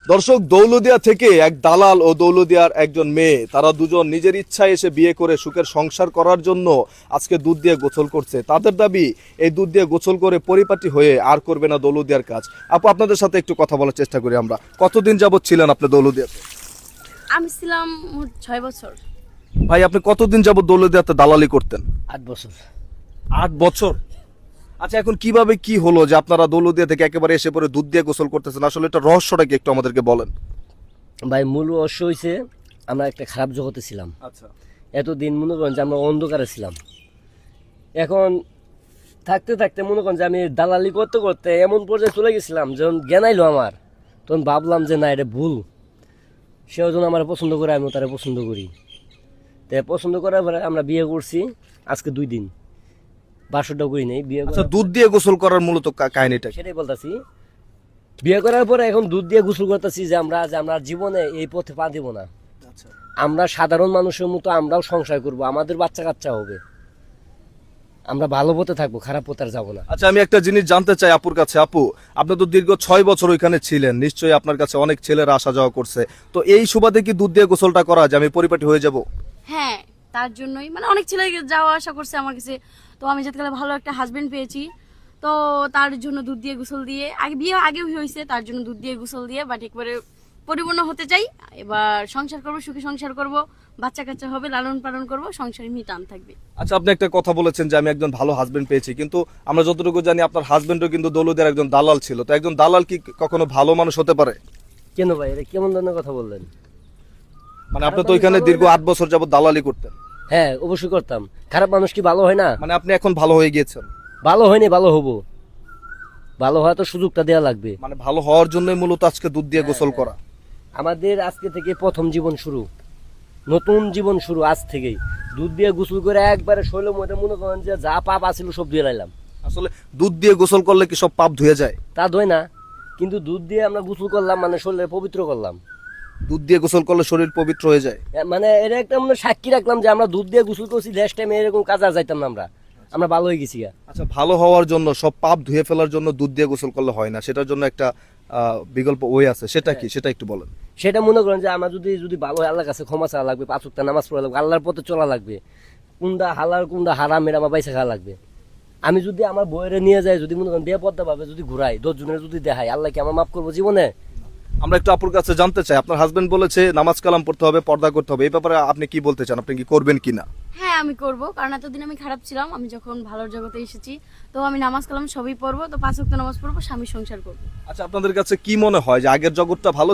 দর্শক, দৌলদিয়া থেকে এক দালাল ও দৌলদিয়ার একজন মেয়ে, তারা দুজন নিজের ইচ্ছায় এসে বিয়ে করে সুখের সংসার করার জন্য আজকে দুধ দিয়ে গোসল করছে। তাদের দাবি এই দুধ দিয়ে গোসল করে পরিপাটি হয়ে আর করবে না দৌলদিয়ার কাজ। আপু, আপনাদের সাথে একটু কথা বলার চেষ্টা করি আমরা। কতদিন যাবত ছিলেন আপনি দৌলদিয়াতে? আমি ছিলাম 6 বছর। ভাই, আপনি কতদিন যাবত দৌলদিয়াতে দালালি করতেন? 8 বছর। 8 বছর। আচ্ছা, এখন কিভাবে কি হলো যে আপনারা দৌলদিয়া থেকে একেবারে এসে পরে দুধ দিয়ে গোসল করতেছেন? আসলে এটা রহস্যটা কি একটু আমাদেরকে বলেন। ভাই, মূল রহস্য হয়েছে আমরা একটা খারাপ জগতে ছিলাম। আচ্ছা। এতদিন মনে করেন যে আমরা অন্ধকারে ছিলাম। এখন থাকতে থাকতে মনে করেন যে আমি দালালি করতে করতে এমন পর্যায়ে চলে গেছিলাম, যখন জ্ঞান আইলো আমার, তখন ভাবলাম যে না, এটা ভুল। সেও যখন আমার পছন্দ করে, আমিও তারা পছন্দ করি। তাই পছন্দ করার পরে আমরা বিয়ে করছি। আজকে 2 দিন, বাসরটাও করি নাই। বিয়ে আচ্ছা, দুধ দিয়ে গোসল করার মূলত কাহিনীটা কি? সেটাই বলতেছি। বিয়ে করার পরে এখন দুধ দিয়ে গোসল করতেছি যে আমরা জীবনে এই পথে পা দিব না। আমরা সাধারণ মানুষের মতো আমরাও সংসার করব, আমাদের বাচ্চা কাচ্চা হবে, আমরা ভালো পথে থাকবো, খারাপ পথে আর যাবো না। আচ্ছা, আমি একটা জিনিস জানতে চাই আপুর কাছে। আপু, আপনি তো দীর্ঘ 6 বছর ওইখানে ছিলেন, নিশ্চয়ই আপনার কাছে অনেক ছেলেরা আসা যাওয়া করছে। তো এই সুবাদে কি দুধ দিয়ে গোসলটা করা যে আমি পরিপাটি হয়ে যাব? হ্যাঁ, তার জন্যই মানে অনেক ছেলে যাওয়া আসা করছে আমার কাছে। তো আমি যাতে ভালো একটা হাজবেন্ড পেয়েছি, তো তার জন্য দুধ দিয়ে গোসল দিয়ে, আগে বিয়ে আগেও হয়েছে, তার জন্য দুধ দিয়ে গোসল দিয়ে বাট একবারে পরিপূর্ণ হতে চাই। এবার সংসার করব, সুখী সংসার করব, বাচ্চা কাচ্চা হবে, লালন পালন করব, সংসারে মিটান থাকবে। আচ্ছা, আপনি একটা কথা বলেছেন যে আমি একজন ভালো হাজবেন্ড পেয়েছি, কিন্তু আমরা যতটুকু জানি আপনার হাজবেন্ডও কিন্তু দৌলদের একজন দালাল ছিল। তো একজন দালাল কি কখনো ভালো মানুষ হতে পারে? কেন ভাই, এটা কেমন ধরনের কথা বললেন? মানে আপনি তো ওইখানে দীর্ঘ 8 বছর যাবত দালালি করতেন। হ্যাঁ, অবশ্যই করতাম। খারাপ মানুষ কি ভালো হয় না? মানে আপনি এখন ভালো হয়ে গিয়েছেন? ভালো হয়নি, ভালো হবো। ভালো হওয়া তো সুযোগটা দেওয়া লাগবে। মানে ভালো হওয়ার জন্যই মূলত আজকে দুধ দিয়ে গোসল করা। আমাদের আজকে থেকে প্রথম জীবন শুরু, নতুন জীবন শুরু আজ থেকেই। দুধ দিয়ে গোসল করে একবারে শৈল মধ্যে মনে করেন যে যা পাপ আছিল সব ধুয়ে লাইলাম। আসলে দুধ দিয়ে গোসল করলে কি সব পাপ ধুয়ে যায়? তা ধোয় না, কিন্তু দুধ দিয়ে আমরা গোসল করলাম মানে শরীরে পবিত্র করলাম। দুধ দিয়ে গোসল করলে শরীর পবিত্র হয়ে যায়। মানে এটা একটা মানে সাক্ষী রাখলাম যে আমরা দুধ দিয়ে গোসল করছি, নেক্সট টাইমে এরকম কাজ আর যাইতাম না। আমরা ভালো হয়ে গেছি। আচ্ছা, ভালো হওয়ার জন্য, সব পাপ ধুয়ে ফেলার জন্য দুধ দিয়ে গোসল করলে হয় না, সেটার জন্য একটা বিকল্প ওয়ে আছে, সেটা কি? সেটা একটু বলেন। সেটা মনে করেন যে আমার যদি ভালো হয়, আল্লাহর কাছে ক্ষমা চাওয়া লাগবে, 5 ওয়াক্ত নামাজ পড়া লাগবে, আল্লাহর পথে চলা লাগবে, কোনটা হালাল কোনটা হারাম এটা আমার বাইসা খাওয়া লাগবে। আমি যদি আমার বইয়ের নিয়ে যাই, যদি মনে করেন বেপদ্দা ভাবে যদি ঘুরাই, 10 জনের যদি দেখাই, আল্লাহ কি আমার মাফ করবো জীবনে? আমরা একটু আপুর কাছে জানতে চাই, আপনার হাজবেন্ড বলেছে নামাজ কালাম পড়তে হবে, পর্দা করতে হবে, এই ব্যাপারে আপনি কি বলতে চান? আপনি কি করবেন কিনা? হ্যাঁ, আমি করব, কারণ এতদিন আমি খারাপ ছিলাম। আমি যখন ভালোর জগতে এসেছি, তো আমি নামাজ কালাম সবই পড়বো, তো 5 ওয়াক্ত নামাজ পড়বো, স্বামী সংসার করবো। আচ্ছা, আপনাদের কাছে কি মনে হয় যে আগের জগৎটা ভালো